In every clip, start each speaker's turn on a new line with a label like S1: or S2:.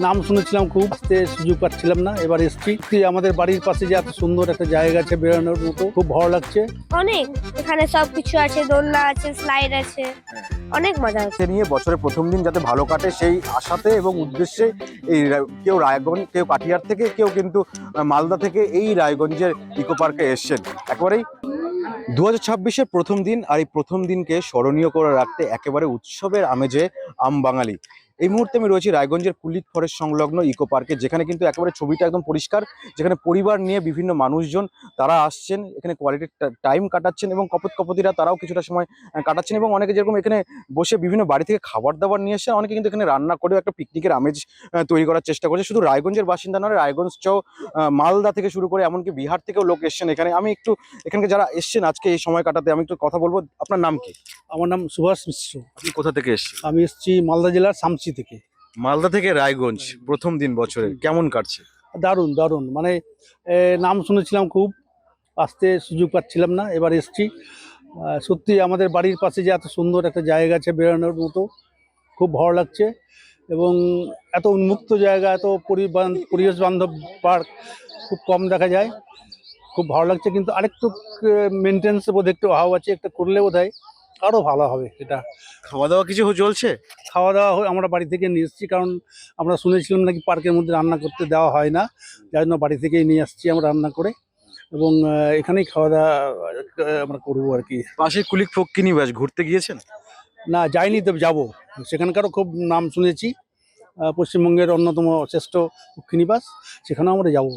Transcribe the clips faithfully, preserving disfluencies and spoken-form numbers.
S1: নাম শুনেছিলাম, খুব আসতে সুযোগ পাচ্ছিলাম না, এবার এসছি। আমাদের বাড়ির পাশে যে এত সুন্দর একটা জায়গা আছে বেরোনোর মতো, খুব ভালো লাগছে।
S2: অনেক এখানে সবকিছু আছে, দোলনা আছে, স্লাইড আছে, অনেক মজা হচ্ছে।
S3: নিয়ে বছরের প্রথম দিন যাতে ভালো কাটে সেই আশাতে এবং উদ্দেশ্যে এই রা- কেউ রায়গঞ্জ, কেউ কাঠিয়ার থেকে, কেউ কিন্তু মালদা থেকে এই রায়গঞ্জের ইকো পার্কে এসছেন। একেবারেই দু হাজার ছাব্বিশের প্রথম দিন, আর এই প্রথম দিনকে স্মরণীয় করে রাখতে একেবারে উৎসবের আমেজে আম বাঙালি। এই মুহূর্তে আমি রয়েছি রায়গঞ্জের কুলিক ফরেস্ট সংলগ্ন ইকো পার্কে, যেখানে কিন্তু একেবারে ছবিটা একদম পরিষ্কার, যেখানে পরিবার নিয়ে বিভিন্ন মানুষজন তারা আসছেন, এখানে কোয়ালিটি টাইম কাটাচ্ছেন এবং কপত কপতিরা তারাও কিছুটা সময় আহ, কাটাচ্ছেন, এবং অনেকে যেরকম এখানে বসে বিভিন্ন বাড়ি থেকে খাবার দাবার নিয়ে এসেছেন, অনেকে কিন্তু এখানে রান্না করেও একটা পিকনিকের আমেজ আহ, তৈরি করার চেষ্টা করছে। শুধু রায়গঞ্জের বাসিন্দা নয়, রায়গঞ্জ চাও মালদা থেকে শুরু করে এমনকি বিহার থেকেও লোক এসছেন এখানে। আমি একটু এখানকে যারা এসছেন আজকে এই সময় কাটাতে, আমি একটু কথা বলবো। আপনার নাম কি?
S1: আমার নাম সুভাষ মিশ্র।
S3: আপনি কোথা থেকে এসছেন?
S1: আমি এসেছি মালদা জেলার সামসি থেকে।
S3: মালদা থেকে রায়গঞ্জ, প্রথম দিন বছরে কেমন কাটছে?
S1: দারুণ দারুণ, মানে এ, নাম শুনেছিলাম, খুব আসতে সুযোগ পাচ্ছিলাম না, এবার এসছি। আহ, সত্যি আমাদের বাড়ির পাশে যে এত সুন্দর একটা জায়গা আছে বেরোনোর মতো, খুব ভালো লাগছে। এবং এত উন্মুক্ত জায়গা, এত পরিবান- পরিবেশ বান্ধব পার্ক খুব কম দেখা যায়, খুব ভালো লাগছে। কিন্তু আরেকটু মেনটেন্স বোধ একটু অভাব আছে, একটা করলে বোধ হয় আরও ভালো হবে। এটা
S3: খাওয়া দাওয়া কিছু চলছে?
S1: খাওয়া দাওয়া হয়- আমরা বাড়ি থেকে নিয়ে এসেছি, কারণ আমরা শুনেছিলাম নাকি পার্কের মধ্যে রান্না করতে দেওয়া হয় না, যার জন্য বাড়ি থেকেই নিয়ে আসছি আমরা রান্না করে, এবং আহ, এখানেই খাওয়া দাওয়া আহ, আমরা করবো আর কি।
S3: পাশে কুলিক ফক্কিনি বাস, ঘুরতে গিয়েছেন?
S1: না, যাইনি, তো যাবো। সেখানকারও খুব নাম শুনেছি, আহ, পশ্চিমবঙ্গের অন্যতম শ্রেষ্ঠ পক্ষিনিবাস, সেখানেও আমরা যাব।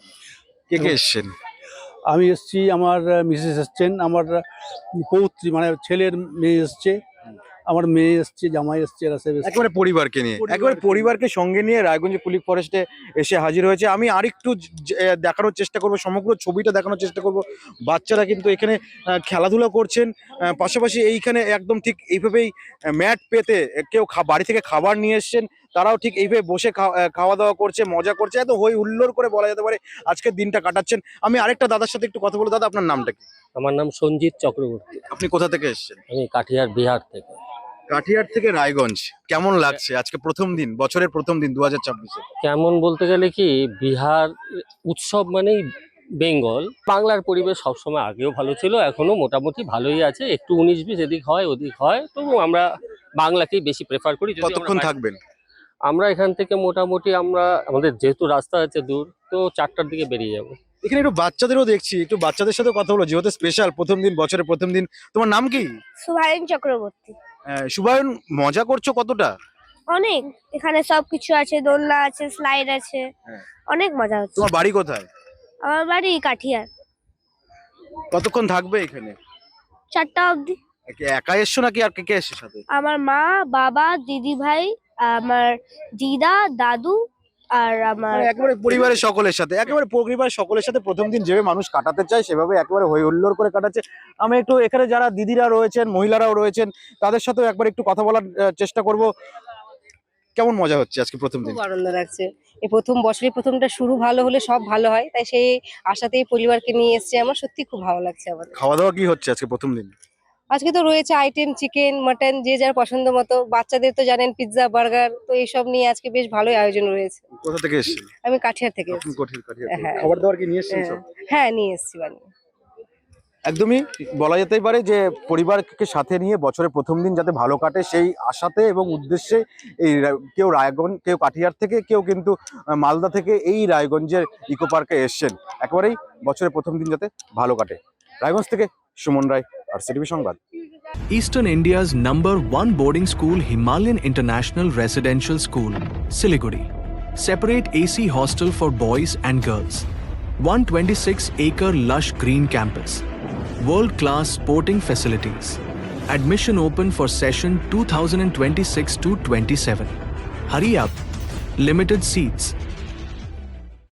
S3: কে কে এসছেন?
S1: আমি এসেছি, আমার মিসেস এসছেন, আমার পৌত্রী মানে ছেলের মেয়ে এসছে, আমার মেয়ে এসছে, জামাই এসছে, এরা সব এসছে।
S3: একেবারে পরিবারকে নিয়ে,
S1: পরিবারকে
S3: একেবারে
S1: নিয়ে।
S3: পরিবারকে সঙ্গে নিয়ে রায়গঞ্জ কুলিক ফরেস্টে এসে হাজির হয়েছে। আমি আরেকটু জ- আহ, দেখানোর চেষ্টা করব, সমগ্র ছবিটা দেখানোর চেষ্টা করব। বাচ্চারা কিন্তু এখানে আহ, খেলাধুলা করছেন, আহ, পাশাপাশি এইখানে একদম ঠিক এইভাবেই ম্যাট পেতে আহ, কেউ খা- বাড়ি থেকে খাবার নিয়ে এসছেন, তারাও ঠিক এইভাবে বসে খাওয়া আহ, খাওয়া দাওয়া করছে, মজা করছে, এত হই হুল্লোড় করে বলা যেতে পারে আজকের দিনটা কাটাচ্ছেন। আমি আরেকটা দাদার সাথে একটু কথা বলবো। দাদা, আপনার নামটা কি?
S4: আমার নাম সঞ্জিত চক্রবর্তী।
S3: আপনি কোথা থেকে এসছেন?
S4: আমি কাঠিয়ার বিহার থেকে।
S3: কাঠিয়ার থেকে রায়গঞ্জ। কেমন লাগছে আজকে প্রথম দিন, বছরের প্রথম দিন দু হাজার ছাব্বিশে?
S4: কেমন বলতে গেলে কি, বিহার উৎসব মানেই বেঙ্গল। বাংলার পরিবেশ সবসময় আগেও ভালো ছিল, এখনো মোটামুটি ভালোই আছে। একটু উনিশ বিশ এদিক হয় ওদিক হয়, তবু আমরা বাংলাকেই বেশি প্রেফার করি। যদি আমরা
S3: কতক্ষণ
S4: বাইরে-
S3: থাকবেন?
S4: আমরা এখান থেকে মোটামুটি আমরা আমাদের যেহেতু রাস্তা আছে দূর, তো চারটার দিকে বেরিয়ে যাব।
S3: এখানে একটু বাচ্চাদেরও দেখছি, একটু বাচ্চাদের সাথে কথা বলো, যেহেতু স্পেশাল প্রথম দিন, বছরের প্রথম দিন। তোমার নাম কি?
S2: সুভায়ন চক্রবর্তী।
S3: আহ, শুভায়ন, মজা করছো কতটা?
S2: অনেক এখানে সবকিছু আছে, দোলনা আছে, স্লাইড আছে,
S3: হ্যাঁ।
S2: অনেক মজা হচ্ছে।
S3: তোমার বাড়ি কোথায়?
S2: আমার বাড়ি কাঠিয়ার।
S3: কতক্ষণ থাকবে এখানে?
S2: চারটা অবধি।
S3: একে- একা এসছো নাকি আর কে কে এসছে সাথে?
S2: আমার মা, বাবা, দিদি ভাই, আমার দিদা, দাদু, আর আমার
S3: মানে একেবারে পরিবারের সকলের সাথে, একেবারে পরিবারের সকলের সাথে প্রথম দিন যেভাবে মানুষ কাটাতে চায় সেভাবে একেবারে হই হুল্লোড় করে কাটাচ্ছে। আমি একটু এখানে যারা দিদিরা রয়েছেন, মহিলারাও রয়েছেন, তাদের সাথেও একবার একটু কথা বলার আহ, চেষ্টা করব। কেমন মজা হচ্ছে আজকে প্রথম দিন?
S5: খুব আনন্দ লাগছে। এই প্রথম বছরের প্রথমটা শুরু ভালো হলে সব ভালো হয়, তাই সেই আশাতেই পরিবারকে নিয়ে এসেছি। আমার সত্যি খুব ভালো লাগছে আমাদের।
S3: খাওয়া দাওয়া কি হচ্ছে আজকে প্রথম দিন?
S5: আজকে তো রয়েছে আইটেম, চিকেন, মাটন, যে যার পছন্দ মতো। বাচ্চাদের তো জানেন পিৎজা, বার্গার, তো এইসব নিয়ে আজকে বেশ ভালোই আয়োজন রয়েছে।
S3: কোথা থেকে এসেছেন?
S5: আমি কাঠিয়ার থেকে
S3: আপনি
S5: এসেছি।
S3: কঠিন কাঠিয়া থেকে।
S5: হ্যাঁ।
S3: খাবার দাবার কি নিয়ে এসেছেন সব?
S5: হ্যাঁ, নিয়ে এসেছি বানিয়ে।
S3: একদমই বলা যেতেই পারে যে পরিবারকে সাথে নিয়ে বছরের প্রথম দিন যাতে ভালো কাটে সেই আশাতে এবং উদ্দেশ্যে এই রা- কেউ রায়গঞ্জ, কেউ কাঠিয়ার থেকে, কেউ কিন্তু আহ, মালদা থেকে এই রায়গঞ্জের ইকো পার্কে এসছেন। একেবারেই বছরের প্রথম দিন যাতে ভালো কাটে। রায়গঞ্জ থেকে সুমন রায়, আর সিটিভি সংবাদ।
S6: Eastern India's number one boarding school, Himalayan International Residential School, Siliguri. Separate A C hostel for boys and girls. one hundred twenty-six acre lush green campus. World-class sporting facilities. Admission open for session two thousand twenty-six to twenty-seven. Hurry up. Limited seats.